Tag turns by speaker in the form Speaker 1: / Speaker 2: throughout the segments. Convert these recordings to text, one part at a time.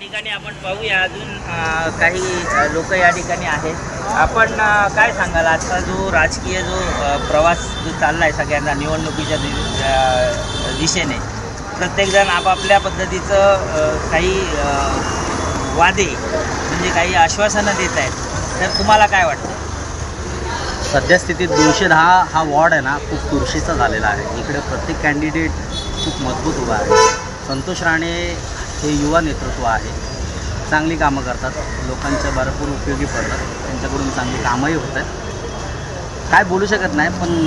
Speaker 1: ठिकाणी आपण पाहूया अजून काही लोक या ठिकाणी आहेत. आपण काय सांगाल आजचा जो राजकीय जो प्रवास जो चालला आहे सगळ्यांना निवडणुकीच्या दिशेने, प्रत्येकजण आपापल्या पद्धतीचं काही वादे म्हणजे काही आश्वासनं देत आहेत, तर तुम्हाला काय वाटतं?
Speaker 2: सद्यस्थितीत 210 हा वॉर्ड आहे ना खूप चुरशीचा झालेला आहे. इकडे प्रत्येक कॅन्डिडेट खूप मजबूत उभा आहे. संतोष राणे हे युवा नेतृत्व आहे, चांगली कामं करतात, लोकांच्या भरपूर उपयोगी पडतात, त्यांच्याकडून चांगली कामंही होत आहेत. काय बोलू शकत नाही, पण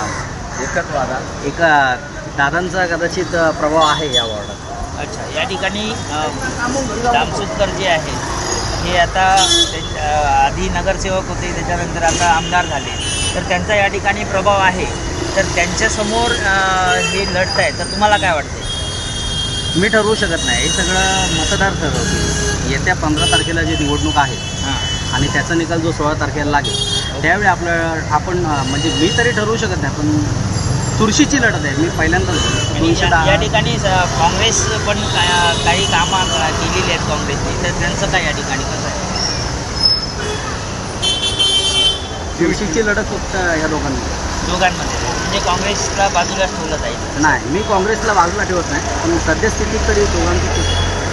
Speaker 2: एका दादांचा कदाचित प्रभाव आहे या वॉर्डात.
Speaker 1: अच्छा, या ठिकाणी दामसुतकर जे आहे हे आता आधी नगरसेवक होते, त्याच्यानंतर आता आमदार झाले, तर त्यांचा या ठिकाणी प्रभाव आहे. तर त्यांच्यासमोर हे लढत आहे, तर तुम्हाला काय वाटते?
Speaker 2: मी ठरवू शकत नाही, हे सगळं मतदार ठरवतील. येत्या 15 तारखेला जी निवडणूक आहे आणि त्याचा निकाल जो 16 तारखेला लागेल त्यावेळी आपण म्हणजे मी तरी ठरवू शकत नाही, पण चुरशीची लढत आहे. मी पहिल्यांदाच
Speaker 1: या ठिकाणी काँग्रेस पण काही कामं केलेली आहेत काँग्रेसने, तर त्यांचं काय या ठिकाणी कसं आहे?
Speaker 2: चुरशीची लढत फक्त या
Speaker 1: दोघांमध्ये म्हणजे काँग्रेसला बाजूलाच ठेवलं जाईल?
Speaker 2: नाही, मी काँग्रेसला बाजूला ठेवत नाही, पण सद्यस्थितीत तरी दोघांची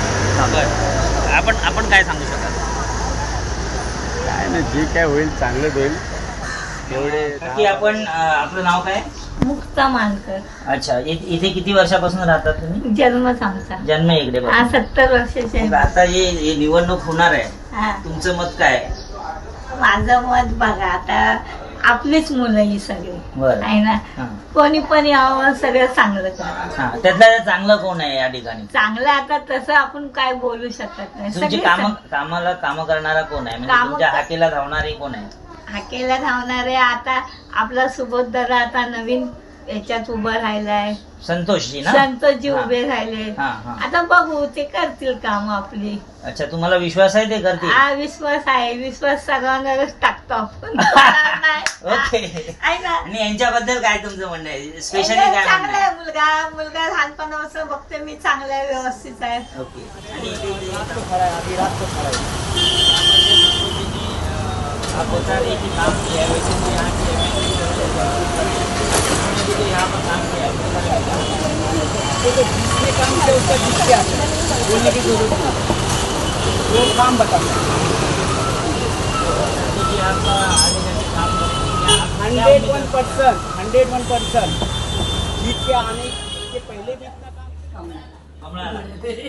Speaker 1: आपण काय सांगू शकाल?
Speaker 2: काय नाही, जे काय होईल चांगलंच होईल. एवढे
Speaker 1: की आपण आपलं नाव काय?
Speaker 3: मुक्ता मानकर.
Speaker 1: अच्छा, इथे किती वर्षापासून राहतात तुम्ही?
Speaker 3: जन्मच आमचा.
Speaker 1: जन्म इकडे?
Speaker 3: 70 वर्षाचे.
Speaker 1: मग आता हे निवडणूक होणार आहे,
Speaker 3: हा.
Speaker 1: तुमचं मत काय आहे?
Speaker 3: माझं मत बघा, आता आपलीच मुलं ही सगळी
Speaker 1: बरं.
Speaker 3: आहे ना,
Speaker 1: हा.
Speaker 3: कोणी पण यावं, सगळं चांगलं करा.
Speaker 1: हा, त्यातलं चांगलं कोण आहे या ठिकाणी?
Speaker 3: चांगलं आता तसं आपण काय बोलू शकत नाही.
Speaker 1: तुमची कामं करणारा कोण आहे, म्हणजे
Speaker 3: कामं
Speaker 1: तुमच्या हाकेला धावणारी कोण आहे?
Speaker 3: हाकेला धावणारे आता आपला सुबोध दादा आता नवीन याच्यात उभं राहिलाय.
Speaker 1: संतोषजी ना?
Speaker 3: संतोषजी
Speaker 1: हा.
Speaker 3: उभे राहिले.
Speaker 1: हा, हा.
Speaker 3: आता बघू ते करतील काम आपली.
Speaker 1: अच्छा, तुम्हाला विश्वास आहे ते करतील?
Speaker 3: हा, विश्वास आहे. विश्वास सगळ्यांवरच टाकतो आपण.
Speaker 1: ओके.
Speaker 3: आहे ना.
Speaker 1: आणि यांच्याबद्दल काय तुमचं म्हणणं आहे? स्पेशली काय म्हणणं
Speaker 3: चांगला
Speaker 1: आहे?
Speaker 3: आहे मुलगा लहानपणापासून बघते मी, चांगला आहे, व्यवस्थित आहे.
Speaker 1: ओके. आणि आप बता रहे कि काम किया है, वैसे तो यहाँ की यहाँ पर काम किया है,
Speaker 4: तो जिसने काम किया उसका जिससे आता है, बोलने की जरूरत नहीं, वो काम बताता है।
Speaker 1: तो जी आपका आगे जाके काम करेंगे
Speaker 4: 101% जीत के आने के पहले भी इतना काम
Speaker 1: हमारा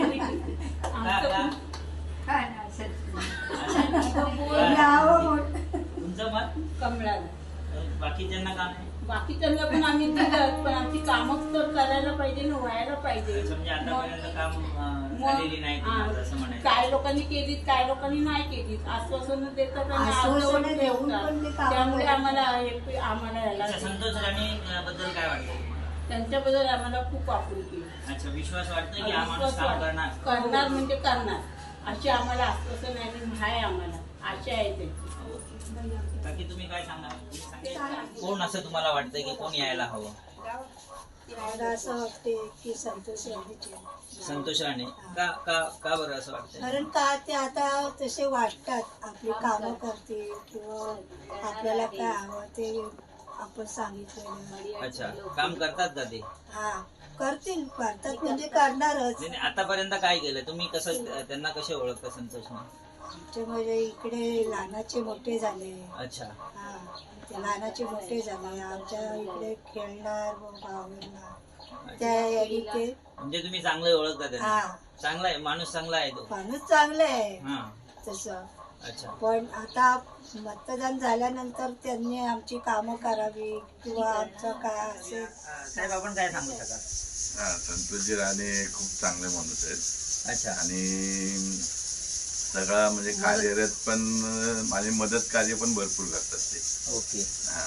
Speaker 1: तुमचं मत?
Speaker 5: कमळाला.
Speaker 1: बाकीच्यांना काम आहे?
Speaker 5: बाकीच्यांना पण आम्ही दिलं, पण आमची कामं तर करायला पाहिजे ना, व्हायला पाहिजे.
Speaker 1: म्हणजे आतापर्यंत काम झालेली नाही तुम्हाला असं म्हणायचं?
Speaker 5: काय लोकांनी केलीत, काय लोकांनी नाही केलीत. आश्वासन देतात आणि आश्वासन ठेवतात. त्यामुळे आम्हाला याला
Speaker 1: अच्छा, संतोष राणे बद्दल काय वाटतं?
Speaker 5: त्यांच्याबद्दल आम्हाला खूप आपुलकी.
Speaker 1: अच्छा, विश्वास वाटतं की आम्हाला काम करणार?
Speaker 5: करणार म्हणजे करणार अशी आम्हाला आश्वासन आहे, आम्हाला आशा आहे त्याची.
Speaker 1: बाकी तुम्ही काय सांगा, कोण असं तुम्हाला वाटतं की कोण यायला हवं?
Speaker 6: मला असं वाटते की संतोष
Speaker 1: संतोष राणे. का बरं असं वाटतं?
Speaker 6: कारण का ते आता तसे वाटतात, आपली कामं करतील किंवा आपल्याला काय हवं ते आपण सांगितलेलं.
Speaker 1: अच्छा, काम करतात का ते?
Speaker 6: हा, करतात म्हणजे करणारच.
Speaker 1: नाही, आतापर्यंत काय केलं तुम्ही? कसं त्यांना कसे ओळखता संतोषने?
Speaker 6: आमचे म्हणजे इकडे लहानाचे मोठे झाले.
Speaker 1: अच्छा.
Speaker 6: हा, ते लहानाचे मोठे झाले आमच्या इकडे, खेळणार भावना त्या यादी ते.
Speaker 1: म्हणजे तुम्ही चांगले ओळखता त्यांना?
Speaker 6: हा,
Speaker 1: चांगला आहे माणूस, चांगला आहे तो
Speaker 6: माणूस चांगले आहे
Speaker 1: हा.
Speaker 6: तसं.
Speaker 1: अच्छा.
Speaker 6: पण आता मतदान झाल्यानंतर त्यांनी आमची कामं करावी किंवा आमचं काय असेल.
Speaker 1: साहेब, आपण काय सांगू शकाल?
Speaker 7: संतोषजी राणे खूप चांगले माणूस आहेत.
Speaker 1: अच्छा.
Speaker 7: आणि सगळा म्हणजे कार्यरत पण आणि मदत कार्य पण भरपूर करतात ते.
Speaker 1: ओके.
Speaker 7: हा.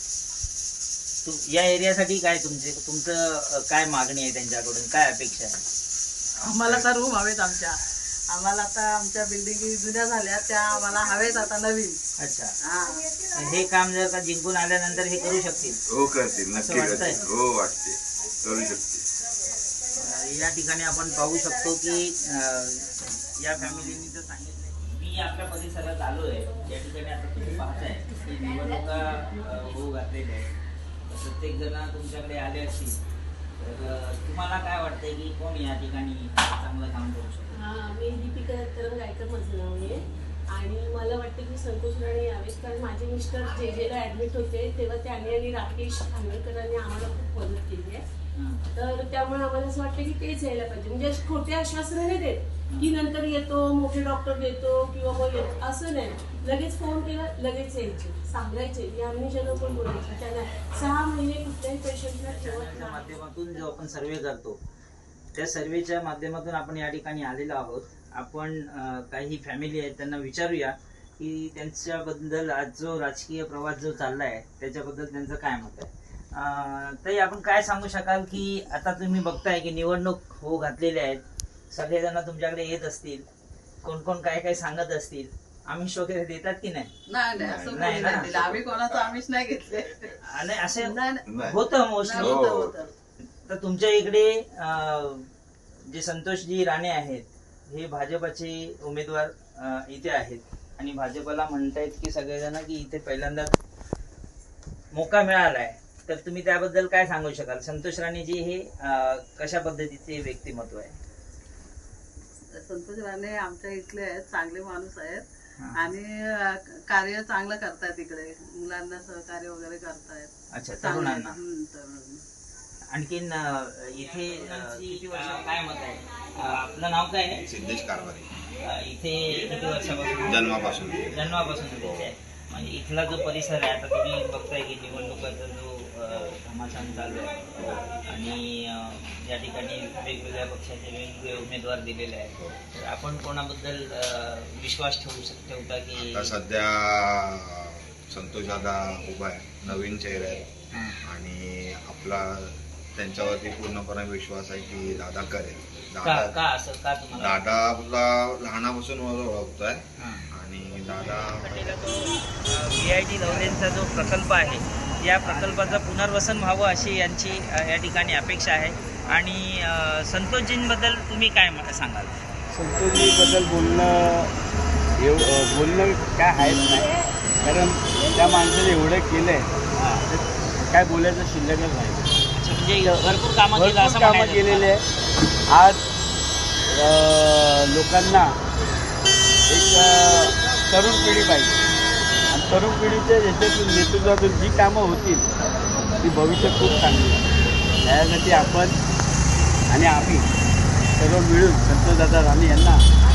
Speaker 1: या एरियासाठी काय तुमचं काय मागणी आहे त्यांच्याकडून, काय अपेक्षा आहे?
Speaker 4: आम्हाला तर रूम हवेत आमच्या. आम्हाला आता आमच्या बिल्डिंगी जुन्या झाल्या, त्या आम्हाला हवेत आता नवीन.
Speaker 1: अच्छा.
Speaker 4: हा.
Speaker 1: हे काम जर का जिंकून आल्यानंतर हे करू शकतील?
Speaker 7: हो, करतील, नक्की
Speaker 1: वाटतंय?
Speaker 7: करतील. हो, वाटते, करू शकते.
Speaker 1: या ठिकाणी आपण पाहू शकतो की या फॅमिलीनी तर सांगितलंय. मी आपल्या परिसरात आलो आहे. या ठिकाणी आता तुम्ही पाहताय की निवडणुका होऊ घातलेल्या आहेत. प्रत्येक जण तुमच्याकडे आले असतील तर तुम्हाला काय वाटतंय की कोण या ठिकाणी चांगलं काम करू शकतो?
Speaker 8: मी दीपिका दत्ताराम गायकर माझं नाव आहे आणि मला वाटतं की संतोष राणे यावेत, कारण माझे मिस्टर जेला ॲडमिट होते तेव्हा त्यांनी आणि राकेश खानवलकरांनी आम्हाला खूप मदत केली आहे. तर त्यामुळे आम्हाला असं वाटतं की तेच यायला पाहिजे. म्हणजे खोटे आश्वासनं नाही देत की नंतर येतो, मोठे डॉक्टर देतो किंवा मग येतो, असं नाही. लगेच फोन केला लगेच यायचे, सांगायचे. आम्ही ज्यांना पण बोलायचं त्यांना 6 महिने कुठल्याही पेशंटला ठेवत
Speaker 1: त्या
Speaker 8: नाही.
Speaker 1: माध्यमातून जो आपण सर्वे करतो त्या सर्वेच्या माध्यमातून आपण या ठिकाणी आलेलो आहोत. आपण काही फॅमिली आहेत त्यांना विचारूया की त्यांच्याबद्दल आज जो राजकीय प्रवास जो चालला आहे त्याच्याबद्दल त्यांचं काय मत आहे. ताई, आपण काय सांगू शकाल की आता तुम्ही बघताय की निवडणूक होऊ घातलेल्या आहेत, सगळेजण तुमच्याकडे येत असतील, कोण कोण काय काय सांगत असतील, आमिष वगैरे देतात की नाही?
Speaker 4: नाही असं
Speaker 1: नाही
Speaker 4: कोणी
Speaker 1: ना.
Speaker 4: नाही दिलं. आम्ही कोणाचं आमिष नाही घेतले.
Speaker 1: आणि असे
Speaker 4: नाही.
Speaker 1: होतं मोस्टली.
Speaker 4: होतं.
Speaker 1: तर तुमच्या इकडे जे संतोषजी राणे आहेत हे भाजपचे उमेदवार इथे आहेत आणि भाजपला म्हणतायत की सगळेजण की इथे पहिल्यांदा मोका मिळालाय. तर तुम्ही त्याबद्दल काय सांगू शकाल? संतोष राणेजी हे कशा पद्धतीचे व्यक्तिमत्व आहे?
Speaker 4: संतोष राणे आमच्या इथले आहेत, चांगले माणूस आहेत
Speaker 1: हा.
Speaker 4: आणि कार्य चांगलं करतायत. इकडे मुलांना सहकार्य वगैरे करतायत.
Speaker 1: अच्छा,
Speaker 4: चांगलं
Speaker 1: तरुणांना.
Speaker 4: आहे. तरुणांना.
Speaker 1: आणखीन इथे किती वर्ष काय मत आहे? आपलं नाव काय आहे?
Speaker 9: सिद्धेश कारभारी.
Speaker 1: इथे किती वर्षापासून?
Speaker 9: जन्मापासून.
Speaker 1: जन्मापासून इथे आहे. म्हणजे इथला जो परिसर आहे, आता तुम्ही बघताय की निवडणुकाचा जो घमासान चालू आहे आणि या ठिकाणी वेगवेगळ्या पक्षाचे वेगवेगळे उमेदवार दिलेले आहेत. तर आपण कोणाबद्दल विश्वास ठेवता की?
Speaker 9: आता सध्या संतोष दादा उभा आहे, नवीन चेहरा आहे आणि आपला त्यांच्यावरती पूर्णपणे विश्वास आहे की दादा करेल.
Speaker 1: का असं का तुम्हाला?
Speaker 9: दादा आपला लहानापासून मला ओळखतोय आणि दादा
Speaker 1: VIT लवलेंचा जो प्रकल्प आहे या प्रकल्पाचं पुनर्वसन व्हावं अशी यांची या ठिकाणी अपेक्षा आहे. आणि संतोषजींबद्दल तुम्ही काय सांगाल?
Speaker 10: संतोषजीबद्दल बोलणं काय आहेच नाही, कारण त्या माणसाने एवढं केलं आहे काय बोलायचं शिल्लकच नाही.
Speaker 1: म्हणजे भरपूर कामं
Speaker 10: केलेले आहे. आज लोकांना एक तरुण पिढी पाहिजे आणि तरुण पिढीच्या याच्यातून नेतृत्वातून जी कामं होतील ती भविष्य खूप चांगली आहे. त्यासाठी आपण आणि आम्ही सर्व मिळून संतोषदादा राणे यांना